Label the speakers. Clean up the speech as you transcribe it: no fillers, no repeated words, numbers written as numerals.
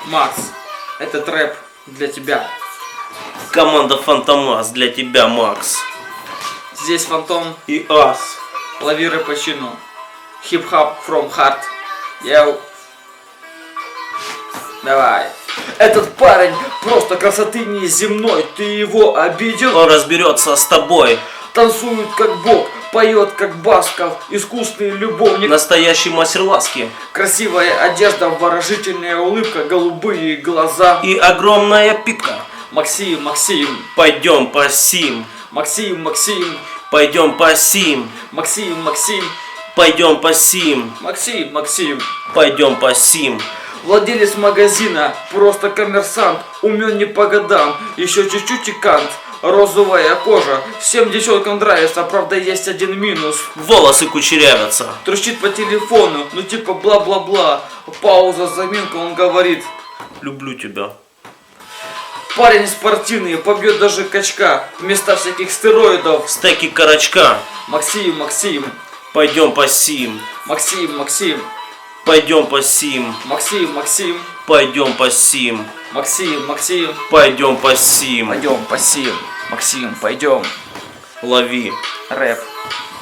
Speaker 1: Макс, этот рэп для тебя.
Speaker 2: Команда Фантомас для тебя, Макс.
Speaker 1: Здесь Фантом,
Speaker 2: И Ас.
Speaker 1: лови рэп по чину. Хип-хап from heart. Йоу. Давай. Этот парень просто красоты неземной. Ты его обидел?
Speaker 2: Он разберется с тобой.
Speaker 1: Танцует как бог, поет как Басков, искусный любовник.
Speaker 2: Настоящий мастер ласки.
Speaker 1: Красивая одежда, выражительная улыбка, голубые глаза.
Speaker 2: И огромная пипка.
Speaker 1: Максим, Максим,
Speaker 2: Пойдем по сим.
Speaker 1: Максим, Максим,
Speaker 2: Пойдем по сим.
Speaker 1: Максим, Максим,
Speaker 2: Пойдем по сим.
Speaker 1: Максим, Максим.
Speaker 2: Пойдем по сим.
Speaker 1: Владелец магазина, просто коммерсант, умен не по годам, еще чуть-чуть и кант. Розовая кожа, всем девчонкам нравится, правда есть один минус.
Speaker 2: Волосы кучерявятся.
Speaker 1: Трещит по телефону, ну типа бла-бла-бла. Пауза, заминка, он говорит.
Speaker 2: Люблю тебя.
Speaker 1: Парень спортивный, побьет даже качка, вместо всяких стероидов.
Speaker 2: Стеки карачка.
Speaker 1: Максим, Максим,
Speaker 2: Пойдем по сим.
Speaker 1: Максим, Максим,
Speaker 2: Пойдем по сим.
Speaker 1: Максим, Максим,
Speaker 2: Пойдем по сим.
Speaker 1: Максим, Максим.
Speaker 2: Пойдем по сим.
Speaker 1: Пойдем, Максим, Максим, пойдем.
Speaker 2: Лови.
Speaker 1: Рэп.